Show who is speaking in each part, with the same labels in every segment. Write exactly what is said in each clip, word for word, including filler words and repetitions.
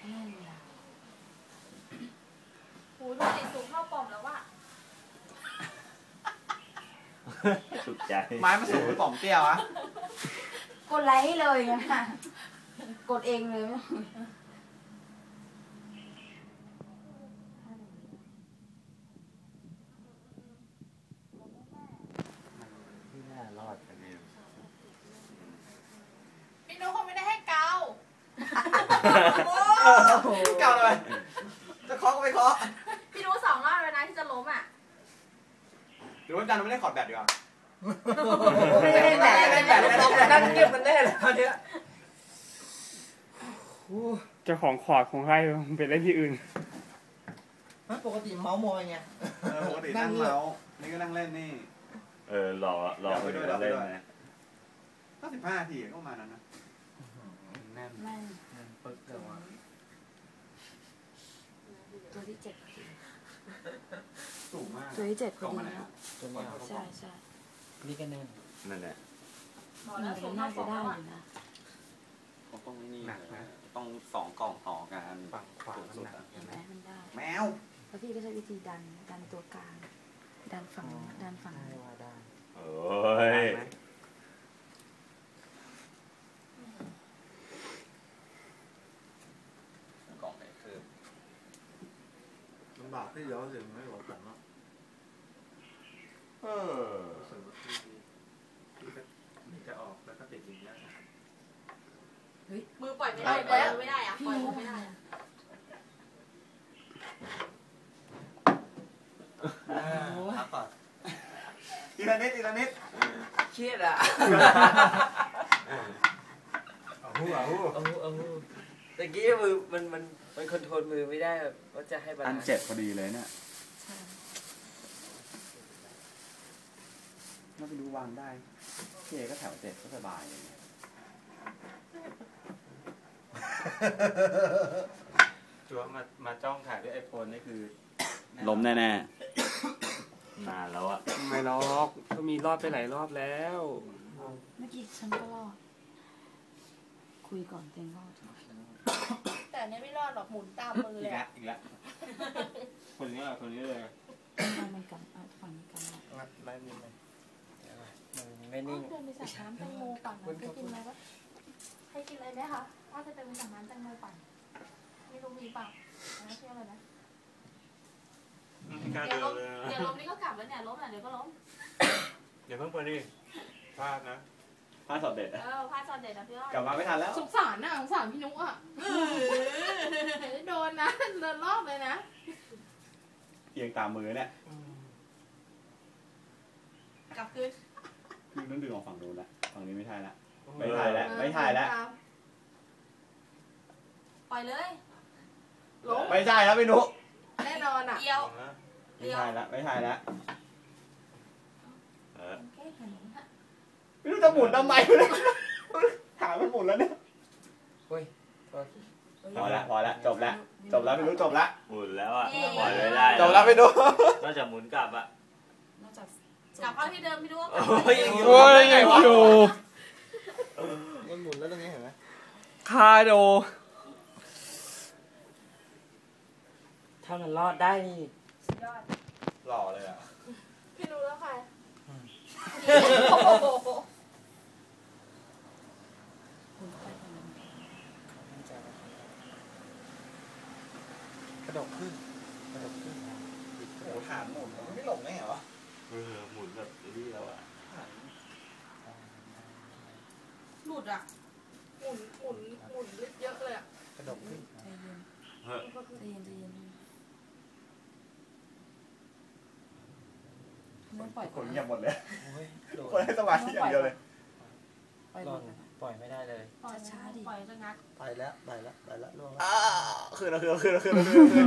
Speaker 1: นั่นแหละ
Speaker 2: หูดูติดสูงเข้าปอมแล้วว่ะ
Speaker 3: สุดใจ
Speaker 4: ไม้มาสูงหรือปอมเตี้ยวะ
Speaker 1: กดไลค์ให้เลยนะกดเองเลย
Speaker 3: ไม่น่ารอดกันเนี่ย
Speaker 2: พี่นุ๊กคงไม่ได้ให้เกา
Speaker 4: เก่าเลยจะเคาะก็ไม่เคาะ
Speaker 2: พี่นุ๊กสองรอบเลยนะที่จะล้มอ่ะ
Speaker 4: หรือว่าดันไม่ได้ขอดแบตดีกว่า
Speaker 1: ไม่ได้แบบไม่ได้แบบ
Speaker 4: ดันเก็บมันแน่เลยตอนนี้
Speaker 5: เจ้าของขอดของใครไปเล่นที่อื่น
Speaker 6: ปกติเมาส์มอยไง
Speaker 4: ปกตินั่งเมาส์นี่ก็นั่งเล่นนี่
Speaker 3: เออรอรอไปด้วยเล่นนะ
Speaker 4: ก็สิบห้าทีก็ประมาณนั้นนะ
Speaker 1: แน่นแน่นปึ๊กเลยว่ะตัวที่เจ็ด
Speaker 4: สูงมาก
Speaker 1: ตัวที่เจ็ดพอดี
Speaker 6: ตัวนี้
Speaker 1: ใช่ใช่
Speaker 6: นี่ก็แน่น
Speaker 3: นั่นแหละ
Speaker 1: มันน่าจะได้อยู่นะ
Speaker 3: ต้องนี่หนักนะต้องสองกล่องต่อกัน
Speaker 6: ฝั่งขวาสุด
Speaker 1: เห็นไหมมันได้
Speaker 4: แมว
Speaker 1: แล้วพี่ก็ใช้วิธีดันดันตัวกลางดันฝั่งดันฝั่ง
Speaker 6: ได้ว่าได้
Speaker 3: โอ้ยกล่องไหนคือ
Speaker 6: ลำบากที่เยอะถึงไม่หลบหลังเนาะ
Speaker 3: เออ
Speaker 4: นี่จะออกแล้วก็ติดอย่างนี้
Speaker 2: เฮ้ยมือปล่อยไม่ได้ปล่อยไม่ได้อะปล่อยไม่ได้
Speaker 4: พักก่อนทีละนิดทีละนิด
Speaker 6: เครียดอ่ะ
Speaker 4: เอาหูเอาหู
Speaker 6: เอาหูเอาหูตะกี้มือมันมันมันคอนโทรลมือไม่ได้แบบว่าจะให้บาลานซ์
Speaker 3: อันเจ็บพอดีเลยเนี่ยน่าไปดูวางได้เคก็แถวเจ็ดก็สบายเลย
Speaker 5: จัวมามาจ้องถ่ายด้วยไอโฟนนี่คือ
Speaker 3: ล้มแน่ๆนานแล้วอะ
Speaker 5: ไม่ล็อกก็มีรอดไปหลายรอบแล้ว
Speaker 1: เมื่อกี้ฉันก็รอดคุยก่อนเต็งรอด
Speaker 2: แต่เนี้ยไม่รอดหรอกหมุนตามมือเลย
Speaker 3: อีกแล้วคนนี้คนนี้เลย
Speaker 1: มันกำฝั่งนี้กำ
Speaker 6: งัดไล่มือไปไม่นิ่ง
Speaker 2: เดินไปสั่งน้ำแตงโมปั่นให้กินไหมวะให้กินอะไรไหมคะว่าจะเดินไปสั่งน้ำแตงโมปั่นไม่รู้มีเปล่าไม่เชื่อเลยนะเดี๋ยวล้มเดี๋ยวล้มนี่ก็กลับแล้วเนี่ยล้มอ่ะเดี๋ยวก็ล้ม
Speaker 5: เดี๋ยวเพิ่งไปดิพลาดนะ
Speaker 3: พลาดสอดเด็ด
Speaker 2: เออพลาดสอดเด็ดนะพี่อ้อย
Speaker 4: กลับมาไม่ทันแล้ว
Speaker 2: สงสารนะสงสารพี่นุ๊กอ่ะโดนนะโดนรอบเลยนะ
Speaker 3: เอียงตามมือเนี่ย
Speaker 2: กลับคืน
Speaker 3: คือต้องดึงออกฝั่งนู้นละฝั่งนี้ไม่ถ่ายละไม่ถ่ายแล้วไม่ถ่ายแล้ว
Speaker 2: ปล่อยเลย
Speaker 3: ไม่ใช่แล้วพี่นุ๊ก
Speaker 2: แน่นอนอ่ะเดียว
Speaker 3: ไม่ถ่ายแล้วไม่ถ่ายแล้วไม่รู้จะหมุนทำไมเลยถามมันหมุนแล้วเนี่ยพอละพอละจบแล้วจบแล้วพี่นุ๊กจบแล้ว
Speaker 7: หมุนแล้วอ่ะปล่อยไม่ได้
Speaker 3: จบแล้วพี่นุ๊ก
Speaker 7: นอกจากหมุนกลับอ่ะ
Speaker 2: กลับเข้าที่เดิมพี่นุ๊ก
Speaker 5: โอ้ยยังอยู่
Speaker 6: มันหมุนแล้วตรงนี้เห็นไหม
Speaker 5: คาโด
Speaker 6: ถ้ามันรอดได้นี่
Speaker 2: ยอด
Speaker 4: หล่อเลยอ่ะ
Speaker 2: พี่นุ๊กแล้วใคร
Speaker 6: กระดกขึ้นกระดกขึ้น
Speaker 4: โอ้ฐานหมุนมันไม่หลงได้เหรอ
Speaker 7: เออหมุนแบบนี้แล้วอ่ะ
Speaker 2: หลุดอ่ะหมุนหมุนหมุนเยอะเลยอ่ะ
Speaker 6: กระดกขึ้น
Speaker 1: ใจเย็นใจเย็นใจเย็นไม่ปล่อย
Speaker 4: คนเงียบหมดเลยคนให้สมาธิอย่างเดียวเลย
Speaker 6: ปล่อยปล่อยไม่ได้เลย
Speaker 2: ปล่อยช้าดิปล่อยจะงัด
Speaker 6: ไปแล้วไปแล้วไปแล้วล่วงแล้ว
Speaker 4: คืนแล้วคืนแล้วคืนแล้วคืนแล้วคืนแล้วคืน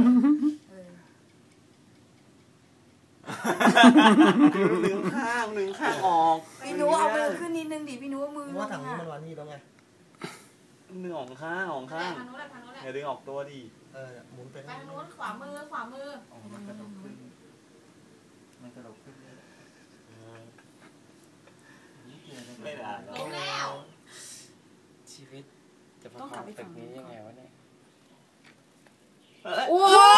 Speaker 4: หนึ่งข้างหนึ่งข้างออก
Speaker 1: พี่นุ๊กเอามือขึ้นนิดนึงดิพี่นุ๊กมือ
Speaker 6: ว่าทางนี้มันวันนี้แล้วไง
Speaker 4: หนึ่งออกข้างออกข้างอย่าดึงออกตัวดิ
Speaker 6: เออหมุนไป
Speaker 2: ทางนู้นขวามือขวามือ
Speaker 6: มันกระดกขึ้นมันกระดกขึ้น
Speaker 4: ไม่ได้
Speaker 2: ล้มแล้ว
Speaker 6: ชีวิตจะมาทำตึกนี้ยังไงวะเนี่ย
Speaker 1: โอ้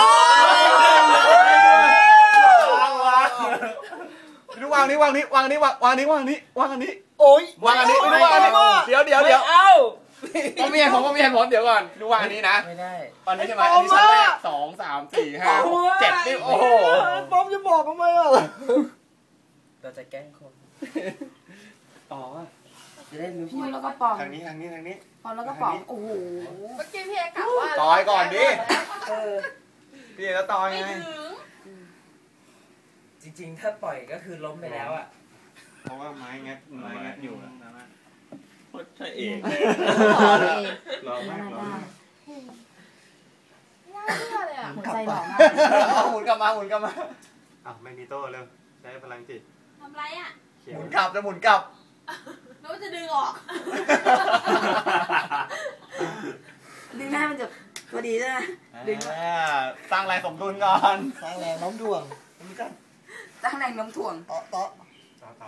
Speaker 3: ดูวางนี้วางนี้วางนี้วางวางนี้วางนี้วางอันนี้
Speaker 6: โอ้ยว
Speaker 3: างอันนี้ดูวางอันนี้เดี๋ยวเดี๋ยวเดี๋ยว
Speaker 6: เอา
Speaker 3: ผมมีเหตุผลผมมีเหตุผลเดี๋ยวก่อนดูวางอันนี้นะ
Speaker 6: ไม่ได้
Speaker 3: อันนี้ใช่ไหมอันนี้ชั้นแรกสองสามสี่ห้าหกเจ็ดนี่โอ้โห
Speaker 6: ป๊อมจะบอกทำไมอ่ะเราจะแกล้งคน
Speaker 3: อ๋อ
Speaker 6: จะได้รู้
Speaker 1: พูดแล้วก็ป๋อง
Speaker 3: ทางนี้ทางนี้ทางนี้
Speaker 1: พอแล้วก็ป๋องโอ้โห
Speaker 2: เมื่อกี้พี่เอกะว่า
Speaker 3: ต่อยก่อนดิ
Speaker 6: เออ
Speaker 3: พี่ก็ต่อยไง
Speaker 6: จริงๆถ้าปล่อยก็คือล้มไปแล้วอ่ะ
Speaker 3: เพราะว่าไม้งัดไม้งัดอยู่นะ
Speaker 7: โคตรใช่เอง
Speaker 1: ต่อเอง
Speaker 3: รอมากรอ
Speaker 1: ได้
Speaker 3: มาก
Speaker 2: น่าเชื่อเลยอ่ะ
Speaker 1: หัวใจหล่อมาก
Speaker 3: หมุนกลับมาหมุนกลับมาอ้าวแมกนีโต้เร็วใช้พลังจิต
Speaker 2: ทำไรอ่ะ
Speaker 3: หมุนกลับจะหมุนกลับ
Speaker 2: แล้วจะดึงออก
Speaker 1: ดึงหน้ามันจะพอดีใช่ไหมดึง
Speaker 3: อ่าสร้างแรงสมดุลก่อน
Speaker 6: สร้างแรงโน้มถ่วงนี่กัน
Speaker 1: ตั้งแรงโน้มถ่วง
Speaker 6: เตาะเตาะ
Speaker 3: ต่อต่อ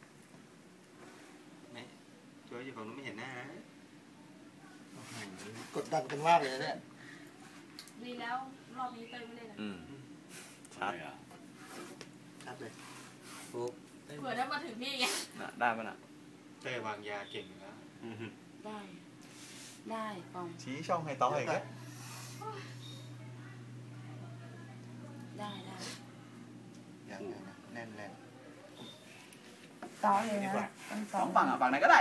Speaker 3: นี่ช่วยอยู่ฝั่งนู้นไม่เห็นหน้านะ
Speaker 6: กดดันกันมากเลยเนี่ย
Speaker 2: ดีแล้วรอบนี้เตยไม่เล่นนะ
Speaker 7: อืมชัดอ่ะ
Speaker 6: ชัดเลยปุ๊บ
Speaker 2: เผื่อได้มาถึงพี่ไง
Speaker 4: น่ะได้ปะน่ะ
Speaker 3: เต้วางยาเก่งอยู่แล้ว
Speaker 1: ได้ ได้ป๋อง
Speaker 3: ชี้ช่องให้ต่ออีกแล้ว
Speaker 1: ได้ได้
Speaker 3: ยังไงนะแน่นแน่น
Speaker 1: ต่อเลยนะต้อง
Speaker 3: ส
Speaker 1: ต่อ
Speaker 3: องฝั่งอ่ะฝั่งไหนก็ได้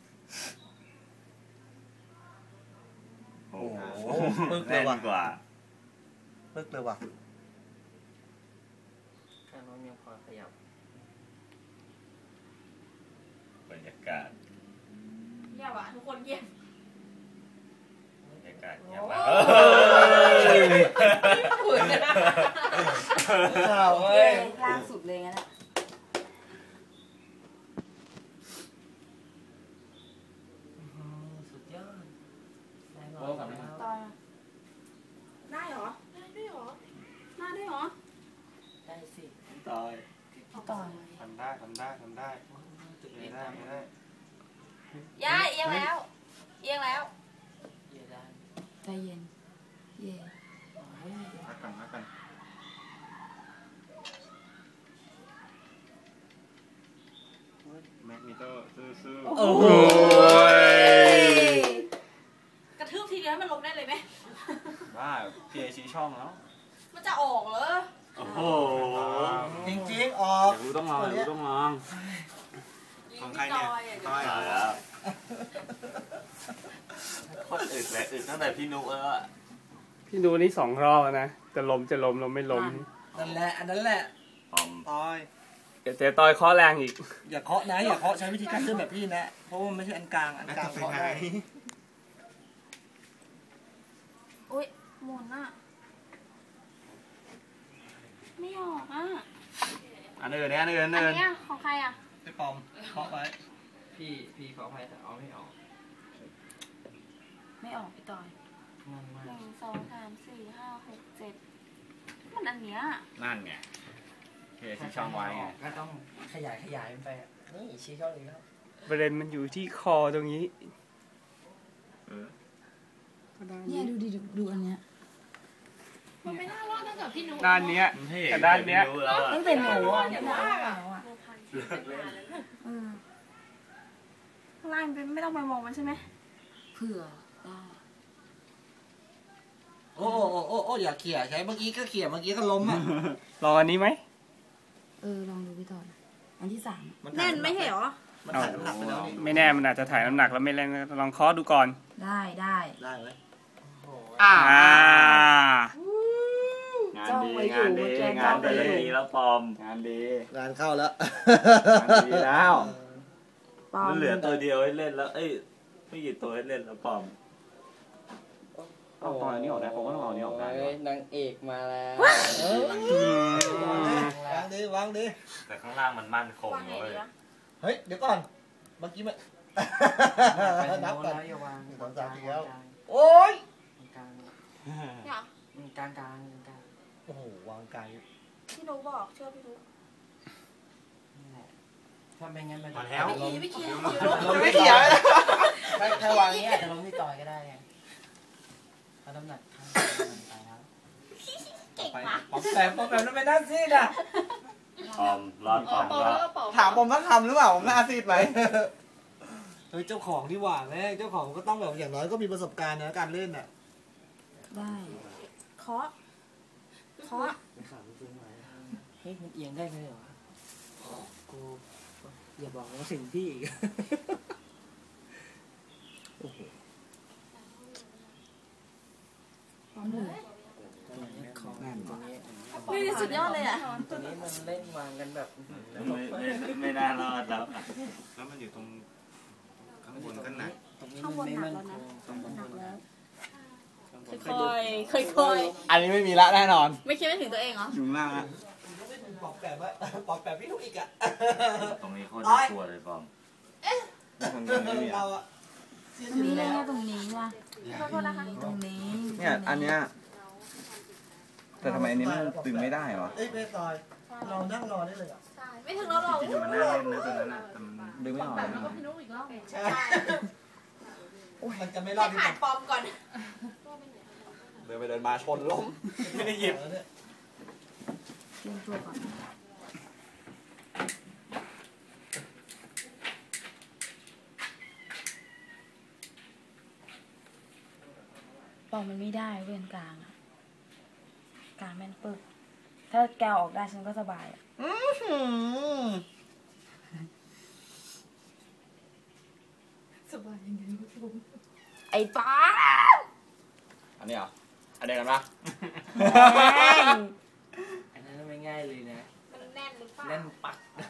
Speaker 7: โอ้โห
Speaker 6: ปึ๊กเล
Speaker 7: แน่
Speaker 6: ย
Speaker 7: น
Speaker 6: ว่ะ
Speaker 7: กว่า
Speaker 6: ปึ๊กเลยว่ะข้างโน้นยังพอขยับบ
Speaker 7: รรยากาศ
Speaker 2: เงียบอ่ะทุกคนเงียบบ
Speaker 7: รรยากาศเงียบ
Speaker 2: โอ้
Speaker 7: มาก
Speaker 2: เผื่อนะ
Speaker 6: ข้าว
Speaker 1: เอ้
Speaker 6: เว้ย
Speaker 1: ยล่างสุดเลยงั้นแหละ
Speaker 6: สุดยอด
Speaker 3: โอ้ฝั่งนี้
Speaker 1: ต่อ
Speaker 2: ได้เหรอ ได้ด้วยเหรอ
Speaker 1: หน้าด้วยเหรอ
Speaker 6: ได้สิ
Speaker 3: ตาย
Speaker 1: ต่อ
Speaker 3: ทำได้ทำได้ทำได้ไม่ได้ไม่ได้
Speaker 2: ย่าเอียงแล้ว เอียงแล้ว
Speaker 6: เยได้
Speaker 1: ใจเย็น เย่
Speaker 3: พักกันพักกันแมกนีโต้สู้
Speaker 6: โอ้โห
Speaker 2: กระทืบทีเดียวให้มันลงได้เลยไหม
Speaker 4: บ้าพี่ไอชี้ช่องแล้ว
Speaker 2: มันจะออกเหรอ
Speaker 7: โอ้โห
Speaker 6: จริงๆออ
Speaker 4: อก ยากรู้ต้องลองอยากรู้ต้องลอง
Speaker 3: ๆของใครเนี่ยต้อย
Speaker 7: ตายแล้วโคตรอึดเลยอึดตั้งแต่พี่นุแล้วอะ
Speaker 8: พี่ดูนี่สองรอบแล้วนะ จะล้มจะล้มล้มไม่ล้ม
Speaker 6: นั่นแหละอันนั้นแหละ
Speaker 7: พร้อม
Speaker 6: ต้อย
Speaker 8: เดี๋ยวเจ๊ต้อยเคอแรงอีก
Speaker 6: อย่าเคาะนะอย่าเคาะใช้วิธีการเชื่อมแบบพี่นะ เพราะว่ามันไม่ใช่อันกลางอัน
Speaker 3: แล้ว
Speaker 6: กลาง
Speaker 3: จะไป
Speaker 6: เคาะ
Speaker 3: ไหน
Speaker 6: ได้
Speaker 1: อุ้ยหมุนอ่ะ ไม่ออกอ่ะ
Speaker 4: อันอื่นเนี่ยอันอื่นอัน
Speaker 2: อัน
Speaker 4: อื่น
Speaker 2: เนี้ยของใครอ่ะ
Speaker 6: ไปปอมเคาะไว้
Speaker 9: พี่พี่ขออภัยแต่เอาไม่ออก
Speaker 1: ไม่ออกพี่ต่อย
Speaker 9: งงมา
Speaker 1: ห
Speaker 9: ก
Speaker 1: นึ่งสองสามสี่ห้าหกเจ็ดมันอันเนี้ย
Speaker 4: นั่นไงพี่ไอชี้ช่องไว้ไง
Speaker 9: ก็ต้อง
Speaker 6: ขยายขยายมันไปอะนี่ชี้เข้าเลยแล้ว
Speaker 8: ประเด็นมันอยู่ที่คอตรงนี้
Speaker 7: เออ
Speaker 1: เนี่ยดูดิดูดูอันเนี้ย
Speaker 2: มันไม่น่ารอดตั้งแต่พี่นุ๊ก
Speaker 8: ด้านเนี้ย
Speaker 7: พี่
Speaker 8: แต่ด้านเนี้ย
Speaker 7: พี่แล้วอะ
Speaker 1: ตั้งแต่หนูอ่ะนี่หนูอ่ะอ่ะ
Speaker 7: เลิกเล่น
Speaker 1: เออข้างล่างเป็นไม่ต้องไปมองมันใช่ไหมเผื่อได้
Speaker 6: โอ้โอ้โอ้โอ้อย่าเขี่ยใช้เมื่อกี้ก็เขี่ยเมื่อกี้ก็ล้มอ่ะ
Speaker 8: ลองอันนี้ไหม
Speaker 1: เออลองดูพี่ต่อยอันที่สาม
Speaker 2: แน่นไม่ใช่เหรอ
Speaker 6: มันถ่ายน้ำหนักไปแล้วนี่
Speaker 8: ไม่แน่มันอาจจะถ่ายน้ำหนักแล้วไม่แรงลองเคอดูก่อน
Speaker 1: ได้ได้
Speaker 6: ได้ไหม
Speaker 3: อ่า
Speaker 8: อ่า
Speaker 4: งานดีงานดีงาน
Speaker 7: แต่
Speaker 4: ดี
Speaker 7: เรื่องนี้แล้วปลอม
Speaker 4: งานดี
Speaker 6: งานเข้าแล้ว
Speaker 4: งานดีแล้ว
Speaker 1: ปอม
Speaker 7: มันเหลือตัวเดียวให้เล่นแล้ว เอ้ยไม่กี่ตัวให้เล่นแล้วปลอม
Speaker 4: เอาตอนนี้ออกได้ผมก็ต้องเอาอันนี้ออกได้
Speaker 9: นางเอกมาแล้ว
Speaker 8: อืม
Speaker 6: วางดิวางดิ
Speaker 7: แต่ข้างล่างมันมั่นคง
Speaker 2: วางไง
Speaker 7: เลย
Speaker 2: ดีวะ
Speaker 6: เฮ้ยเดี๋ยวก่อนเมื่อกี้มัน
Speaker 9: ไป
Speaker 6: นับ
Speaker 9: โน้น
Speaker 6: ก่อน
Speaker 9: แล้วอย่าวาง
Speaker 6: หนึ่งสองสามสี่แล้ว
Speaker 9: กลาง
Speaker 6: โอ้ย
Speaker 9: กลาง
Speaker 2: เนี่ยเหรอก
Speaker 9: ลางกลางกลาง
Speaker 6: โอ้โหวางไกล
Speaker 2: พี่นุ๊กบอกเชื่อพี่นุ๊ก
Speaker 9: นี่แหละถ้าไม่งั้นมัน
Speaker 3: มาแล้ว
Speaker 2: พี่คีพี่คี
Speaker 3: ไม่เขียว
Speaker 9: ถ้าถ้าวางนี้อาจจะล้มที่ต่อยก็ได้ไงเพราะน้ำหนักข้างมันไปแล้วไปปอมแปมปอมแปมทำไมหน้าซีดอ่ะ
Speaker 7: ปอมรอดปอมรอด
Speaker 3: ถามผมสักคำหรือเปล่าผมหน้าซีดไหม
Speaker 9: เฮ้ยเจ้าของที่หว่าแม่เจ้าของก็ต้องแบบอย่างน้อยก็มีประสบการณ์นะการเล่นอ่ะ
Speaker 1: ได้เคาะเคาะ
Speaker 9: เฮ้ยมันเอียงได้เลยเหรอกูอย่าบอกว่าสิ่งพี่อีกโอ้โห
Speaker 1: พร้อมเลย
Speaker 9: ตัวนี้ของตัวนี้
Speaker 1: นี่สุดยอดเลยอ่ะ
Speaker 9: ตัวนี้มันเล่นวางกันแบบ
Speaker 7: ไม่ไม่ไม่น่ารอดแล้วอะ
Speaker 5: แล้วมันอยู่ตรงข้างบนก็หนัก
Speaker 9: ตรงนี้
Speaker 1: ข้างบ
Speaker 9: มัน
Speaker 1: น
Speaker 9: ไม่
Speaker 1: หนัก
Speaker 9: มั่น
Speaker 1: แล้ว
Speaker 9: ค
Speaker 1: นะ
Speaker 9: งตรงบน
Speaker 1: หนักแล้ว
Speaker 9: ค่
Speaker 1: ค่
Speaker 9: อ
Speaker 1: อย ยๆค่อย
Speaker 3: อันนี้ไม่มีละแน่นอน
Speaker 1: ๆไม่คิดไม่ถึงตัวเองเหรอ
Speaker 3: อยู่ข้างล่างอะ
Speaker 9: ปอกแบบว่าปอกแบบพี่ลูกอีกอ่ะ
Speaker 7: ตรงนี้โคตรน่ากลัวเลยปอม
Speaker 3: ตรงนี้ไม่มี
Speaker 9: เรา
Speaker 3: อะ
Speaker 9: อ่ะ
Speaker 1: ตรงนี้เลยเนี่ยตรงนี้ว่ะตรงนี้
Speaker 3: เนี่ยอันเนี้ยแต่ทำไมอันนี้มันดึงไม่ได้วะ
Speaker 9: เอ้ยเบสซอยเรานั่งรอได้เลยอ่ะ
Speaker 2: ใช่ไม่ถึงเราหรอก
Speaker 5: จริงๆมันน่าเล่นนะตัวนั้นนะแต่มัน
Speaker 3: ดึงไม่ออก
Speaker 2: แบ
Speaker 3: เล
Speaker 2: บ
Speaker 3: ย
Speaker 2: แล้วก็
Speaker 3: นะ
Speaker 2: พี่นุ๊กอีกรอบ
Speaker 9: ใช่มันจะไม่รอดที่
Speaker 2: ผ่านปอมก่อน
Speaker 3: เดินไปเดินมาชนล้มไม่ได้หยิบ
Speaker 1: เตรียมตัวก่อนปองมันไม่ได้เว้นกลางอะกลางแม่นปึ๊กถ้าแกวออกได้ฉันก็สบายอะสบายยังไงไอ้ป้า
Speaker 3: อันนี้เหรออันเดียวกันปะ
Speaker 9: อันนั้นไม่ง่ายเลยนะ
Speaker 2: มันแน่นหรือเปล่า
Speaker 9: แน่นปักเลย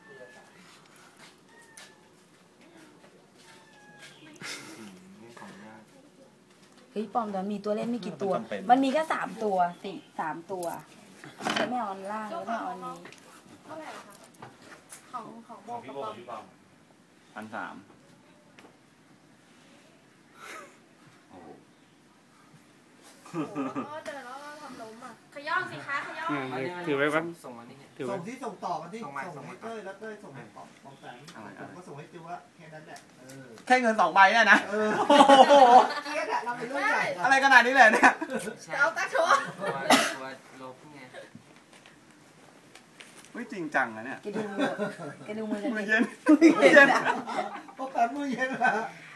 Speaker 5: นี่ของยาก
Speaker 1: เฮ้ยปอมแต่มีตัวเล่นไม่กี่ตัว มันมีแค่สามตัวสี่สามตัวแล้วไม่เอาอันล่างแล้วไม่เอาอันนี้
Speaker 2: เท่าไหร่อะคะของของโบ
Speaker 5: ของ
Speaker 2: กั
Speaker 5: พี่
Speaker 2: บ
Speaker 5: โบ
Speaker 2: ปอ
Speaker 5: กับ
Speaker 2: ม
Speaker 5: พี่ปอม
Speaker 3: พันสาม
Speaker 5: โอ้โห
Speaker 2: โอ้เจอแล้วทำล้มอ่ะขย้อนสิคะขย้อน
Speaker 8: เนี่ยถือไว้ปะ
Speaker 9: ส่งมาที่นี่
Speaker 8: ถือไว้
Speaker 9: ส่งที่ส่งต่อมาที่ส่งให้เต้ยแล้วเต้ยส่งให้ปอมปอมแปมผมก็ส่งให้จิวว่าแค่นั้นแหละเออ
Speaker 3: แค่เงินสองใบเนี่ยนะ
Speaker 9: เออ
Speaker 3: โอ้โห
Speaker 9: เกียดอะเราเป็นรุ่นใหญ่
Speaker 3: อะไรขนาดนี้เลยเนี่ย
Speaker 2: เอาตะชัว
Speaker 9: ตัวตัวลบไง
Speaker 3: ไม่จริงจังนะเนี่ย
Speaker 1: แกดูมือแกดูมือจะ
Speaker 3: มือ
Speaker 1: เด็ก
Speaker 3: เย็นมือเย็น
Speaker 9: ปอมแปมมือเย็นละ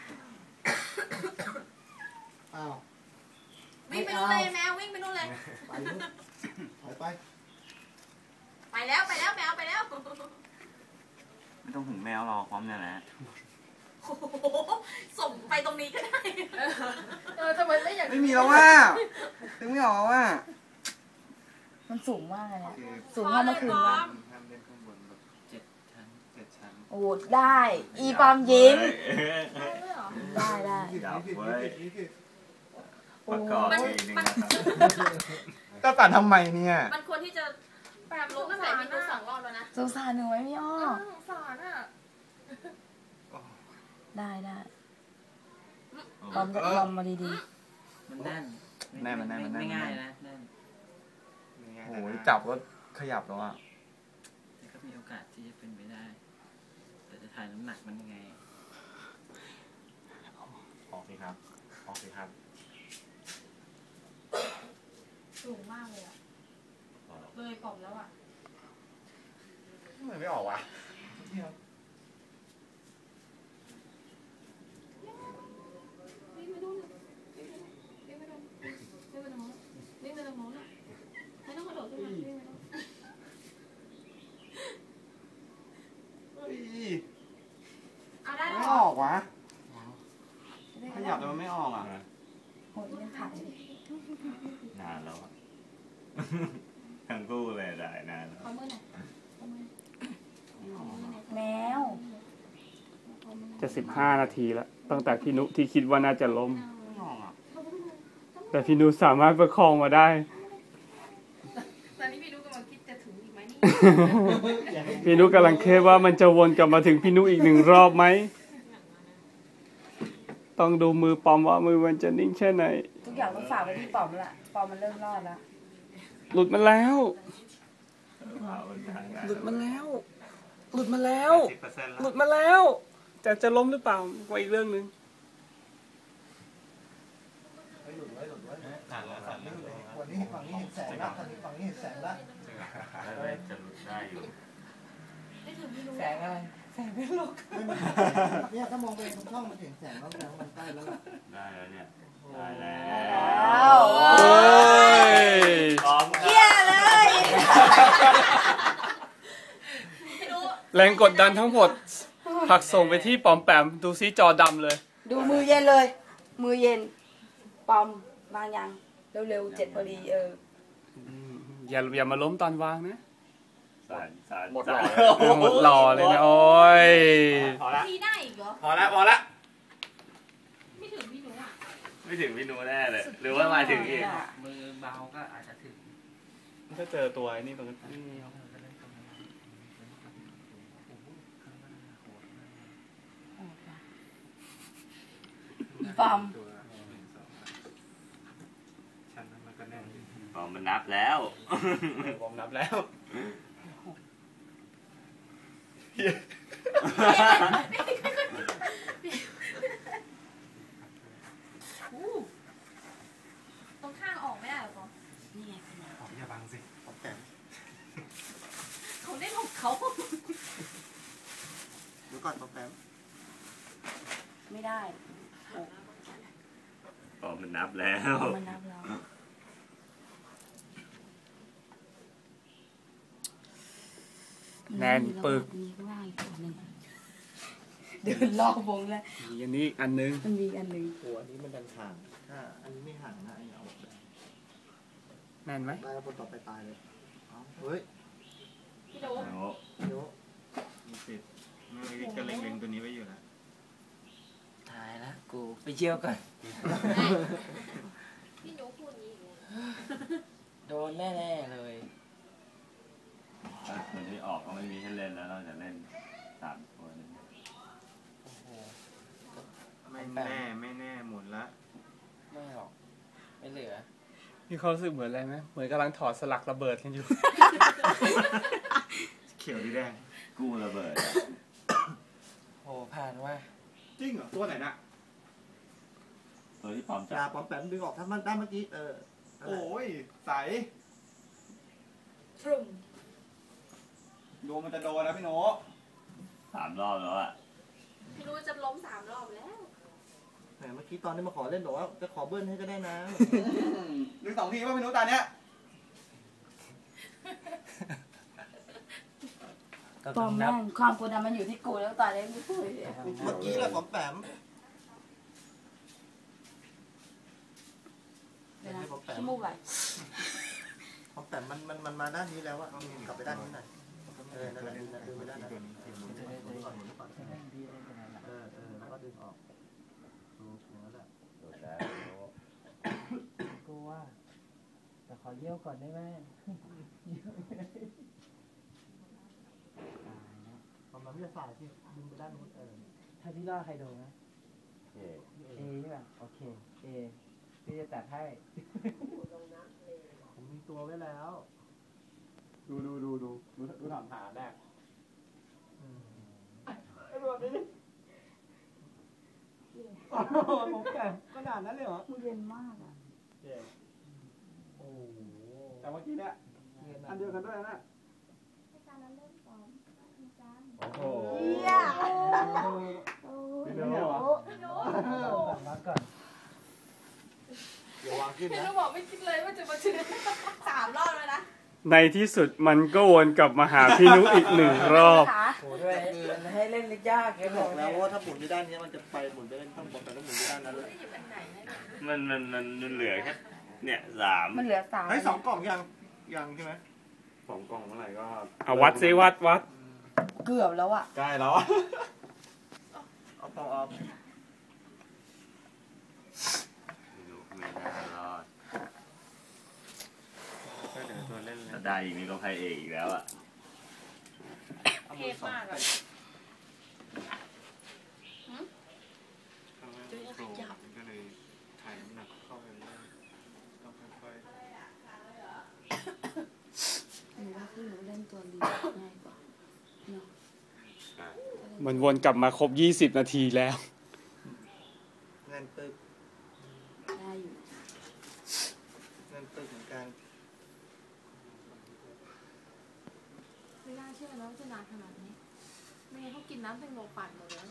Speaker 9: อ้าว
Speaker 2: วิ่งไปนู่นเลยแมววิ่งไปนู่นเลย
Speaker 9: ไปลูกถอยไป
Speaker 2: ไปแล้วไปแล้วแมวไปแล้ว
Speaker 3: ไม่ต้องถึงแมวหรอกพร้อมเนี่ยแหละ
Speaker 2: โอ้โหส่งไปตรงนี้ก็ได้เออทำไมไม่อยาก
Speaker 3: ไม่มีแล้วว่าถึงไม่ออกว่า
Speaker 1: มันสูงมากเลยเนี่ยสูงเท่าเมื่อคืนวะ
Speaker 5: ห้ามเล่นข้างบนแบบ
Speaker 9: เจ็ดชั้น
Speaker 5: เจ็ดชั้น
Speaker 1: โอ้ได้ อีปอมยิ้ม
Speaker 2: ด้วยเหรอ
Speaker 1: ได้ได้
Speaker 7: ดับเว้ย
Speaker 9: นี่คือ
Speaker 7: ประกอบอีกหนึ่งนะครับ
Speaker 3: ก็ตัดทำไมเนี่ย
Speaker 2: มันควรที่จะแบบลุกตั้งแต่มีดูสองรอบแล้วนะ
Speaker 1: สงสารหนูไหมพี่อ้อ
Speaker 2: สงสารอ่ะ
Speaker 1: ได้ได้ปอมจะลองมาดี
Speaker 9: มันแน่น
Speaker 3: แน่นมันแน่นมันแน่น
Speaker 9: ไม่ง่ายนะแน่น
Speaker 3: โอ้ยจับก็ขยับแล้วอ่ะ
Speaker 9: แต่ก็มีโอกาสที่จะเป็นไปได้ แต่จะถ่ายน้ำหนักมันยังไง
Speaker 5: ออกสิครับออกสิครับ
Speaker 2: สูงมากเลยอ่ะเลยปอมแล้วอ่ะ
Speaker 3: ทำไมไม่ออกวะ
Speaker 2: วิ่งไปนู่นวิ่งไปนู่นวิ่งไปตรงนู้นวิ่งไปตรงนู้นอ่ะไม่ต้องกระโดดขึ้นมาวิ่งไปนู่น
Speaker 3: เฮ้ย
Speaker 2: เอาได้
Speaker 3: ไม่
Speaker 2: แล้ว
Speaker 3: ออกวะขยับแต่มันไม่ออกอ่ะ
Speaker 1: ๆโอ้ยยังถ่าย
Speaker 7: นานแล้วอะทั้งคู่เลยได้นานแล้ว
Speaker 2: ขอมือหน่อยขอมือ
Speaker 1: แมว
Speaker 8: จะสิบห้านาทีแล้วตั้งแต่พี่นุที่คิดว่าน่าจะล้ม
Speaker 3: ไม่ออกอ่ะ
Speaker 8: แต่พี่นุสามารถประคองมาได้
Speaker 2: ตอนนี้พี่ดูกำลังคิดจะถึงอีกไหมนี่
Speaker 8: พี่นุกำลังเคสว่ามันจะวนกลับมาถึงพี่นุอีกหนึ่งรอบไหม ต้องดูมือปอมว่ามือมันจะนิ่งแค่ไหน
Speaker 1: ทุกอย่างต้องฝากไว้ที่ปอมละปอมมันเริ่มรอดแล้ว
Speaker 8: หลุดมาแล้ว
Speaker 7: เอาทางนั้น
Speaker 8: หลุดมาแล้ว หลุดมาแล้ว
Speaker 5: สิบเปอร์เซ็นต์
Speaker 8: ห
Speaker 5: แล้
Speaker 8: ลุ
Speaker 5: ว
Speaker 8: ดมาแล้ว แต่จะล้มหรือเปล่าก็อีกเรื่องหนึ่ง
Speaker 9: ไปหลุดไว้หลุดไว้
Speaker 5: สั่นแล้วสั่นแล้ว
Speaker 9: วันนี้ฝั่งนี้เห็นแสงแล้วทางนี้
Speaker 3: แสงละ
Speaker 7: ได้จะหลุดได้อยู่
Speaker 2: ไม่ถึงพี่รู้
Speaker 9: แสงอะไรแสงเป็นลูก
Speaker 3: เนี่ยถ้ามองไปตรงช่องมันเห็นแสงแล้วแสงมันใกล้แล้วล่ะ
Speaker 7: ได้แล้วเนี่ย ได้แล้
Speaker 1: แล้ว
Speaker 7: ว
Speaker 8: เฮ้ย
Speaker 7: พร้อม
Speaker 1: เยี่ยเลย
Speaker 2: พี่รู้
Speaker 8: แรงกดดันทั้งหมดผลักส่งไปที่ปอมแปมดูซิจอดำเลย
Speaker 1: ดูมือเย็นเลย มือเย็น ปอมวางยังเร็วๆเจ็ดพอดีเออ
Speaker 8: อย่าอย่ามาล้มตอนวางนะ
Speaker 7: สารสาร
Speaker 3: หมดหล่อ
Speaker 8: เออหมดหล่อเลยนะโอ้ย
Speaker 3: พอละ
Speaker 2: พี่ได้อีกเหรอ
Speaker 3: พอละพอละ
Speaker 2: ไม่ถึงพี่รู้อ่ะ
Speaker 7: ไม่ถึงพี่นูแน่เลย หรือว่ามาถึงอีก
Speaker 9: มือเบาก็อาจจะถึง
Speaker 4: ถ้าเจอตัวไอ้นี่ตรงนั้น
Speaker 1: ปอม
Speaker 5: ชั้นนั้นมันก็แน่นอยู่
Speaker 7: อ๋อมันนับแล้ว
Speaker 3: ผมนับแล้ว
Speaker 2: อู้ตรงข้างออกไม่ได้เหรอปอม
Speaker 1: นี่ไงขนาด
Speaker 5: ขออย่าบังสิ
Speaker 3: ผมแต่ง
Speaker 2: เขาได้ของเขา
Speaker 3: เดี๋ยวก่อนผมแต่ง
Speaker 1: ไม่ได้
Speaker 7: อ๋อมันนับแล้ว
Speaker 1: มันนับแล้ว
Speaker 8: แน่นปึก
Speaker 1: มีข้างล่างอีกตัวหนึ่งเดินรอบวงแล้ว
Speaker 8: มีอันนี้อีกอันนึง
Speaker 1: มันมีอีกอันหนึ่ง
Speaker 3: โอ้อันนี้มันดันห่างถ้าอันนี้ไม่ห่างนะอันนี้เอาออกได้
Speaker 8: แน่นไหม
Speaker 3: ได้แล้วคนต่อไปตายเลยเอาเฮ้ย
Speaker 2: พี่รู้
Speaker 7: โอ้
Speaker 3: เดี๋ยว
Speaker 5: มีสิทธิ์เมื่อกี้ก็เล็งๆตัวนี้ไว้อยู่แล้ว
Speaker 6: ตายละกูไปเที่ยวก่อน
Speaker 2: พี่รู้พูดอย่างนี้อีกเลย
Speaker 6: โดนแน่ๆเลย
Speaker 7: ถ้าคนที่ออกก็ไม่มีให้เล่นแล้วเราจะเล่นสามคน
Speaker 6: โอ้โห
Speaker 5: ไม่แน่ไม่แน่หมุนละ
Speaker 6: ไม่หรอก ไม่เหลือ
Speaker 8: มีความรู้สึกเหมือนอะไรไหมเหมือนกำลังถอดสลักระเบิดกันอยู่
Speaker 5: เขียวหรือแดง
Speaker 7: กู้ระเบิดอะ
Speaker 6: โอ้ผ่านว่า
Speaker 3: จริงเหรอตัวไหนน่ะ
Speaker 7: ตัวที่พร้อม
Speaker 3: จ่า
Speaker 7: จับ
Speaker 3: ปอมแปมดึงออกถ้ามันได้เมื่อกี้เออโอ้ยใส
Speaker 1: ฟรุ้ง
Speaker 3: ดูมันจะโดนนะพี่โน
Speaker 7: สามรอบแล้วอะ
Speaker 2: พี่รู้จะล้มสามรอบแล้ว
Speaker 3: แหมเมื่อกี้ตอนนี้มาขอเล่นบอกว่าจะขอเบิ้ลให้ก็ได้นะดึงสองทีว่าพี่โนตาเนี้ย
Speaker 1: ปอมแม่งความกดดันมันอยู่ที่กูแล้วตอนนี้ไม่พูดเลย
Speaker 3: เมื่อกี้แหละปอมแปม
Speaker 1: เดี๋ยวนะขี้มูกไหล
Speaker 3: ปอมแปมมันมันมันมาด้านนี้แล้วอะกลับไปด้านนี้หน่อยเออนั่นแหละดึงดึงไปด้านนั้นหมุนหมุนก่อนหมุนก่อนเออเออแล้วก็ดึงออกดูอย่างนั้นแหละ
Speaker 7: โดดแล้ว
Speaker 9: กูว่าแต่ขอเยี่ยวก่อนได้ไหม
Speaker 3: ประมาณวิทยาศาสตร์ที่ดึงไปด้านนู้นเออ
Speaker 9: ถ้าพี่ล่อใครโดนนะ
Speaker 7: โอเค
Speaker 9: เอใช่ป่ะโอเคเอพี่จะตัดให้
Speaker 3: ผมมีตัวไว้แล้ว
Speaker 4: ดูดูดูดูดูดูถามหาแรก
Speaker 3: ผมแก่ขนาดนั้นเลยเหรอ
Speaker 1: มือเย็นมากอ่ะ
Speaker 3: โอ้โห
Speaker 4: แต่เมื่อกี้เนี่ยอันเดียวกันด้วยนะ
Speaker 3: โอ้โห
Speaker 1: เยี่ย
Speaker 4: พี่นูเหรอ
Speaker 2: พี่รู้
Speaker 9: วางก่อน
Speaker 3: เดี๋ยววางขึ้น
Speaker 2: พี่
Speaker 3: นะ
Speaker 2: รู้บอกไม่คิดเลยว่าจะมาถึงสามรอบแล้วนะ
Speaker 8: ในที่สุดมันก็วนกลับมาหาพี่นุอีกหนึ่งรอบ
Speaker 1: ขา
Speaker 6: โหด้วยมันให้เล่นยากแก
Speaker 3: แก
Speaker 6: บบ อ
Speaker 3: อก ก
Speaker 6: แล้
Speaker 3: แล้ว
Speaker 6: ว
Speaker 3: ว่าถ้าหมุนไปด้านนี้มันจะไปหมุนไปด้านข้างบนแต่ต้องหมุนไปด้านนั้นเลย
Speaker 2: ไม่หยิบอันไหนนะ
Speaker 7: มันมันมันมันเหลือแค่เนี่ยสาม
Speaker 1: มันเหลือสาม
Speaker 3: ไอ้สองกล่องยังยังใช่ไหม
Speaker 4: สองกล่องเมื่อไหร่ก็
Speaker 8: เอาวัดซิวัดวัด
Speaker 1: เกือบแล้วอ่ะ
Speaker 4: ใกล้แล้ว
Speaker 3: เอาปองเอา
Speaker 7: พี่นุไม่น่ารอด
Speaker 5: ก็เดี๋ยวตัวเล่นเลย
Speaker 7: ถ้าได้อีกนี่ก็ไพ่เอกอีกแล้วอะ
Speaker 2: เทพมากอะ
Speaker 5: ข้างล่างโครงมันก็เลยถ่ายน้ำหนักเข้าไปเรื่อยต้องค่อยๆ
Speaker 1: หนูว่าพี่หนูเล่นตัวลีง่ายกว่าเนาะ
Speaker 8: มันวนกลับมาครบยี่สิบนาทีแล้ว
Speaker 3: เงินตึก
Speaker 1: ได้อยู่
Speaker 3: เงินตึกเหมือนกัน
Speaker 2: แล้วจะนานขนาดนี้ไม่งั้นเขากินน้ำแตงโมปั่นหมดเลย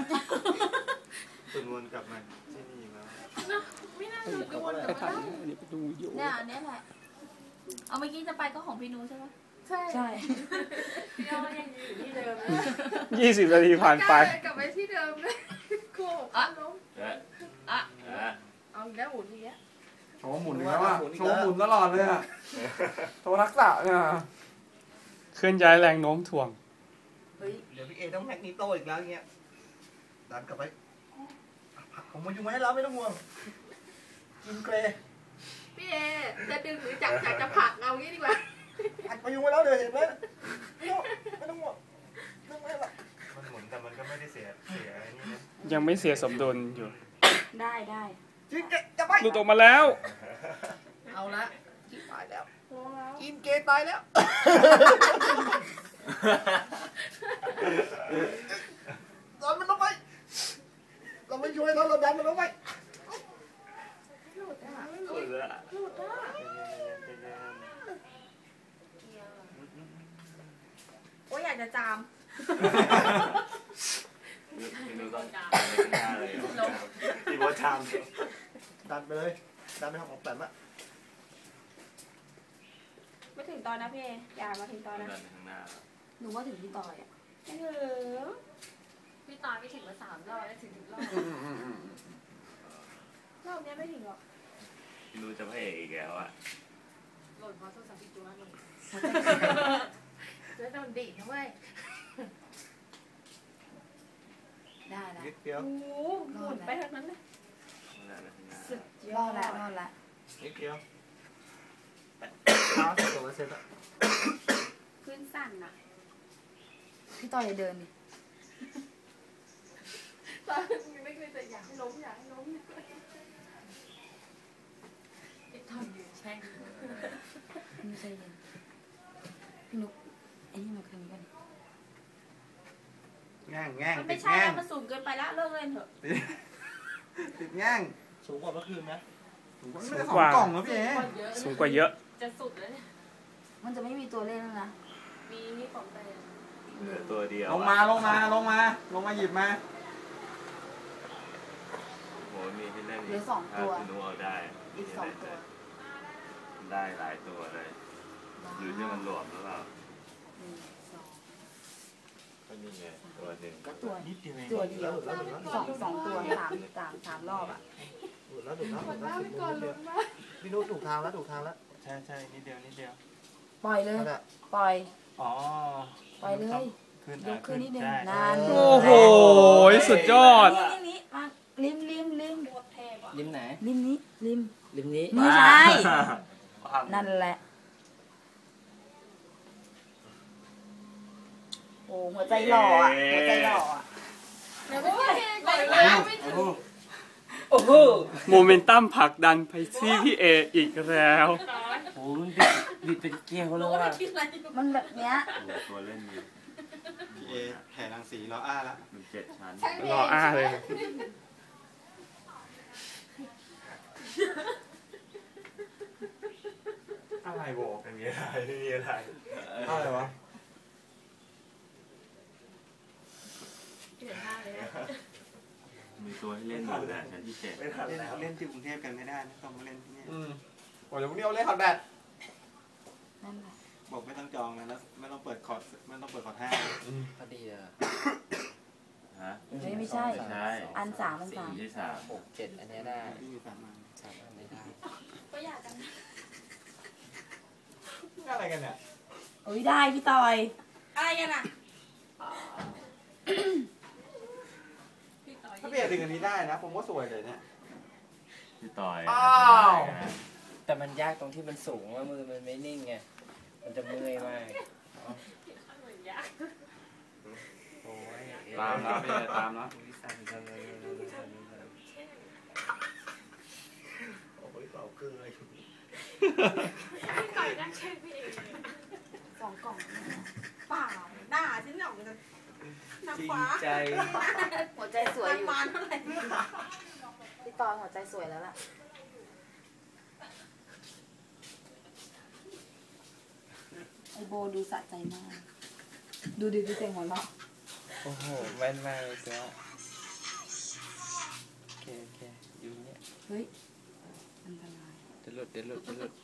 Speaker 5: คุณวนกลับมาที่นี่แล้ว
Speaker 2: นะไม่น่าจะกวน
Speaker 8: ไป
Speaker 2: แต่
Speaker 8: ถ่าย
Speaker 2: ว่า
Speaker 8: อันนี้ไปดูวิดีโอ
Speaker 1: เนี่ยอันเนี้ยแหละ เอาเมื่อกี้จะไปก็ของพี่นูใช่ไหม
Speaker 2: ใช่
Speaker 1: ใช่
Speaker 2: พี่ยอยังอยู่ที่เดิมเลย
Speaker 8: ยี่สิบนาทีผ่านไป
Speaker 2: กลับไปที่เดิมเลยโกหกล้ม
Speaker 7: เอ๊ะ
Speaker 1: อ่ะ
Speaker 7: เอ๊ะ
Speaker 2: เอาอีกแล้วหมุนอีกแล้ว
Speaker 8: โชว์หมุนแล้วอ่ะโชว์หมุนตลอดเลยอ่ะโชว์ทักษะเนี่ยเคลื่อนย้ายแรงโน้มถ่วง
Speaker 3: เฮ้ยเดี๋ยวพี่เอต้องแม็กนิโตอีกแล้วเงี้ยดันกลับไปผักผมมาอยู่มาให้เราไม่ต้องห่วงกินเกร
Speaker 2: พี่เอจะดึงหรือจับจับจะผลักเอางี้ดีกว่า
Speaker 3: ผักมาอยู่มาแล้วเดี๋ยวเห็นไหมไม่ต้องไม่ต้องห่วงไม่ต้องไม่หรอก
Speaker 5: มันหมุนแต่มันก็ไม่ได้เสียเสียไอ้นี่นะ
Speaker 8: ยังไม่เสียสมดุลอยู่
Speaker 1: ได้ได้
Speaker 3: กินเกจะไป
Speaker 8: หลุดออกมาแล้ว
Speaker 3: เอาละกินตายแล้ว
Speaker 2: โอ้แล้ว
Speaker 3: กินเกตายแล้วดันมันลงไปเราไม่ช่วยเราเราดันมันลงไป
Speaker 2: หลุดอ่ะ
Speaker 7: หลุดละ
Speaker 2: หลุดอ่ะ
Speaker 1: โอ้ยอยากจะจาม
Speaker 7: พี่นุต้องไปข้างหน้าเลย
Speaker 5: ที่บอชาม
Speaker 3: ดันไปเลยดันไปของแปมอะ
Speaker 1: ไม่ถึงตอนนะพี่เออย่ามาถึงตอน
Speaker 7: เดิ
Speaker 1: นะ
Speaker 7: นไปข้างหน้า
Speaker 1: หนูว่าถึงพี่ต่อยอ่ะ
Speaker 2: ไม่ถึงพี่ตายไม่ถึงมาสามรอบแล้วถึงถึงรอบรอบนี้ไม่ถึงหรอก
Speaker 7: พี่นุจะพระเอกอีกแล้วอ่ะ
Speaker 2: หล่นเพราะโทรศัพท์พี่จูนั่นเองจะโดนดีดนะเว้ย
Speaker 1: ได้แล้ว
Speaker 3: นิดเดียว
Speaker 2: โอ้โหหมุนไปทางนั้นเลย
Speaker 7: ข้างหน้าไปข้างหน้า
Speaker 2: สุดย
Speaker 1: ร
Speaker 2: อ
Speaker 1: อ
Speaker 2: ด
Speaker 1: ดแล้วรอดแล้ว
Speaker 3: นิดเดียวเท้าสิบกว่าเปอร์เซ็นต์อะ
Speaker 2: ขึ้นสั่นอ่ะ
Speaker 1: พี่ต่อยอย่าเดินดิ
Speaker 2: ตอนไม่เคยแต่อยากให้ล้มอยากให้ล้มไอ้ทำอยู่แช่ง
Speaker 1: ไม่ใช่เย็นพี่นุ๊กไอ้นี่มาคืนกัน
Speaker 3: แง่งแง่ง
Speaker 1: มัน
Speaker 3: ติ
Speaker 1: ไม่
Speaker 3: ด
Speaker 1: ใช่
Speaker 3: แง่
Speaker 1: แล้
Speaker 3: ง
Speaker 1: วมันสูงเกินไปแล้วเลิกเล่นเถอะ
Speaker 3: ติดแง่งสูงกว่าเมื่อคืนไหมสูงกว่า
Speaker 8: สูงกว่า
Speaker 3: สองกล่องนะพี่เอ๋
Speaker 2: เยอะ
Speaker 8: สูงกว่าเยอะ
Speaker 2: จะสุดแล้วเนี่ย
Speaker 1: มันจะไม่มีตัวเล่นแล้วนะ
Speaker 2: มีนี่ของแต่
Speaker 7: เหลือตัวเดียว
Speaker 8: ลงมาลงมาลงมาลงมาหยิบมา
Speaker 7: โหมีให้เล่น
Speaker 1: เหลือสองตัว
Speaker 7: ถ้าพี่นุเอาได้
Speaker 1: อีกสองตัว
Speaker 7: ได้หลายตัวเลยอยู่ที่มันหลวมหรือเปล่า
Speaker 1: หนึ่งสอง
Speaker 7: ก็นี่ไงตัวหนึ่ง
Speaker 1: ก็ตัว
Speaker 3: นิดเดียวเอง
Speaker 1: ตัวเดียว
Speaker 3: หลุดแล้วหลุดแล้ว
Speaker 1: สองสองตัวสามสามสามรอบอ่ะ
Speaker 3: หลุดแล้วหลุดแล้ว
Speaker 2: ห
Speaker 3: ห
Speaker 2: ม
Speaker 3: ลุ
Speaker 2: ด
Speaker 3: ด
Speaker 2: ห
Speaker 3: แล้
Speaker 2: น้าว ไปก่อนลุ้นมาก
Speaker 3: พี่นุ๊กถูกทางแล้วถูกทางแล้ว
Speaker 5: ใช่ใช่นิดเดียวนิดเดียว
Speaker 1: ปล่อยเลย
Speaker 3: นั่นแหละ
Speaker 1: ปล่อย
Speaker 5: อ๋อ
Speaker 1: ปล่อยเลย
Speaker 5: ขึ้น
Speaker 1: ยกขึ้นนิดนึง
Speaker 5: ใช่
Speaker 1: นาน
Speaker 8: โอ้โหสุดยอด
Speaker 1: นี่นี่นี่มาริมริมริม
Speaker 2: โคตรเทพอ่ะ
Speaker 9: ริมไหน
Speaker 1: ริมนี้ริม
Speaker 9: ริมนี้
Speaker 1: ไม่ใช่
Speaker 7: ว้าว
Speaker 1: นั่นแหละ โอ้หัวใจหล่ออ่ะหัวใจหล่ออ่ะ
Speaker 2: เดี๋ยวไม่ใช่ก่อนแล้วไม่ถึง
Speaker 9: โอ้โห
Speaker 8: โมเมนตัมผลักดันไปที่พี่เออีกแล้ว
Speaker 9: โอ้โหมันบิดบิดเป็นเกลียวเลย
Speaker 2: รู้
Speaker 9: ว่ะ
Speaker 2: ว่าคิดอะไรอยู่
Speaker 1: มันแบบเนี้ย
Speaker 7: ตัวเล่นอยู่
Speaker 5: พี่เอแผ่รังสีล้ออ้าละ
Speaker 7: มันเจ็ดชั้น
Speaker 2: ใช่ไหม
Speaker 8: รออ้าเลย
Speaker 5: อะไรบอกไม่มีอะไรไม่มีอะไร
Speaker 3: อะไรวะ
Speaker 2: เห็นหน้าเลยนะ
Speaker 7: มีตัวให้เล่นอยู่นะชั้นที่เจ็ด
Speaker 5: ไม่ทันแล้วเล่นที่กรุงเทพกันไม่ได้นะต้องมาเล่นที่นี่
Speaker 3: อืมโอ้ยเดี๋ยวพรุ่งนี้เอาเล่นคอร์ดแบด
Speaker 1: นั่นแหละ
Speaker 5: บอกไม่ต้องจองนะแล้วไม่ต้องเปิดคอร์ดไม่ต้องเปิดคอร์ดห้า
Speaker 9: พอดีเลย
Speaker 7: ฮะ
Speaker 1: เฮ้ยไม่ใช่
Speaker 7: ไม่ใช่
Speaker 1: อันสามอันสาม
Speaker 7: ที่สาม
Speaker 9: หกเจ็ดอันเนี้ยได้
Speaker 5: ที่มีสามอัน
Speaker 9: สามอันนี้ได้
Speaker 2: ก็อยากกัน
Speaker 3: อะไรกันเนี่ย
Speaker 1: โอ้ยได้พี่ต่อย
Speaker 2: อะไรกันอ่ะพี่ต่อย
Speaker 3: ถ้าเปลี่ยนดึงอันนี้ได้นะ ผมว่าสวยเลยเนี่ย
Speaker 7: พี่ต่อย
Speaker 3: อ้าว
Speaker 9: แต่มันยากตรงที่มันสูงว่ามือมันไม่นิ่งไง มันจะเมื่อยมาก
Speaker 2: เหมือนยาก
Speaker 9: โอ้ย
Speaker 4: ตามแล้วพี่เอตามแล้ว
Speaker 9: สั่นจังเลย
Speaker 3: โอ้ยเปล่าเกลือ
Speaker 2: พี่ต่อยนั่งเช็คพี่เองสองกล่องเปล่าหน้าฉันหน่องจะน้ำฟ้า
Speaker 9: ใจ
Speaker 1: หัวใจสวยอยู่
Speaker 2: น้ำมันเท่าไหร่
Speaker 1: พี่ต่อยหัวใจสวยแล้วล่ะ ไอโบดูสะใจมากดูดิดูเสียงหัวเราะ
Speaker 6: โอ้โหแม่นมากเลยเสือโอเคโอเคอยู่เนี่ย
Speaker 1: เฮ้ยอันตราย
Speaker 6: เดี๋ยวหลุดเดี๋ยวหลุดเดี๋ยวหลุด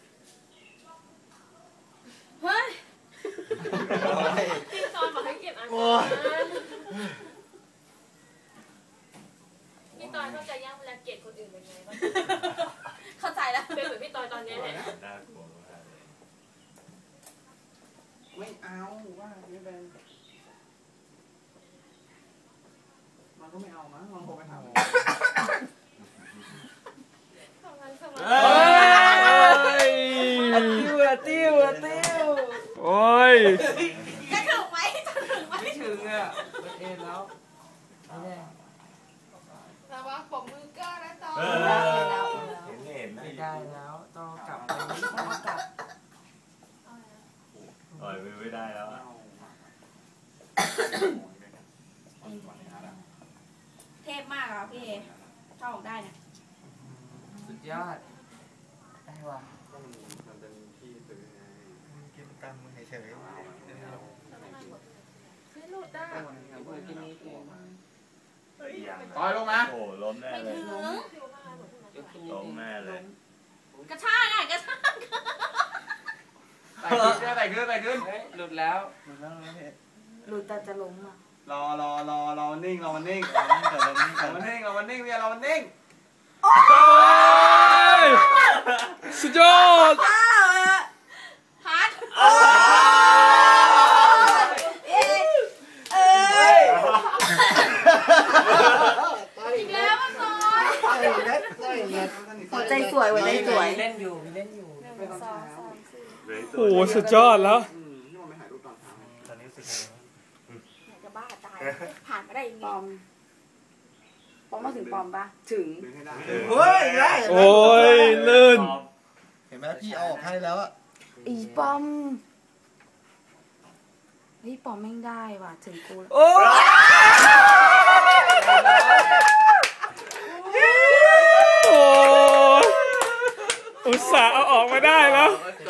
Speaker 1: เฮ้ย
Speaker 2: พี่ตอนบอกให้เก็บอันนั้นพี่ตอนเข้าใจย่างเวลาเกลียดคนอื่นเป็นไงบ้าง
Speaker 1: เข้าใจแล้ว
Speaker 2: เป็นเหมือนพี่ตอนตอนนี้แหละ
Speaker 7: น่ากลัวมากเลย
Speaker 8: ไม่เอาว่าไม่เป็นมันก็ไม่เอานะลองโทรไปถาม
Speaker 2: ทำงานสมั
Speaker 8: เฮ้ย
Speaker 6: อะติ้วอะติ้วอะติ้ว
Speaker 8: โอ้ย
Speaker 1: จะถึงไหมจะถึงไหม
Speaker 6: ไม่ถึงอ่ะมันเอ็นแล้วไม่ได้
Speaker 2: ระวังผมมือก้านะตอน
Speaker 7: เออ
Speaker 1: แล้วแล้ว
Speaker 7: เห็นเห็น
Speaker 6: ไม่ได้แล้วต้องกลับไป
Speaker 1: ต้องเอากลับ
Speaker 7: ปล่อยมือไม่ได้แล้วอะ
Speaker 1: เทพมากอ่ะพี่เอถ้าออกได้เนี่ย
Speaker 6: สุดยอดได้ว่ะ
Speaker 5: มันเป็นที่ซื้อไง
Speaker 3: กินตังค์มึงเฉย
Speaker 2: ไม่หลุดได้
Speaker 6: กินนี้เอง
Speaker 8: ต่อยลงมา
Speaker 7: โอ้ล้มแน่เลย
Speaker 1: ถึง
Speaker 6: เดี๋ยวกินนี้
Speaker 7: ล้ม
Speaker 6: เอง
Speaker 7: แน่เลย
Speaker 1: กระชากอ่ะกระชาก
Speaker 8: ไต่ขึ้นไต่ขึ้นไต่ขึ้น
Speaker 6: เฮ้ยหลุดแล้ว
Speaker 3: ๆมึงนั่งแล้วเห็น
Speaker 1: หลุดแต่จะล้มอ่ะ
Speaker 8: รอรอรอรอนิ่งรอมันนิ่ง
Speaker 3: แต่เราไม่
Speaker 8: รอมันนิ่งรอมันนิ่งเนี่ยรอมันนิ่งสุดยอด
Speaker 1: อ้าวฮัทเอ้ยเอ้ยอีกแล้วมันซอย
Speaker 3: ต่อยเล็ดต่อยเล็ด
Speaker 1: หัวใจสวยหัวใจสวย
Speaker 6: เล่นอยู่มีเล่นอยู่
Speaker 2: หนึ่งสองสามสี่
Speaker 8: โอ้โหสุดยอดแล้ว
Speaker 3: ตอนนี้สิ
Speaker 1: อยากจะบ้าตายผ่านมาได้ยังไงปอมปอมมาถึงปอมปะถึง
Speaker 3: เฮ้ยได้
Speaker 8: โอ้ยลื่น
Speaker 3: เห็นไหมพี่เอาออกให้แล้วอะ
Speaker 1: อีปอมเฮ้ยปอมแม่งได้ว่ะถึงกูแล้ว
Speaker 6: โอ้
Speaker 8: โอ้ยอุตส่าห์เอาออกมาได้แล้ว
Speaker 6: โอเค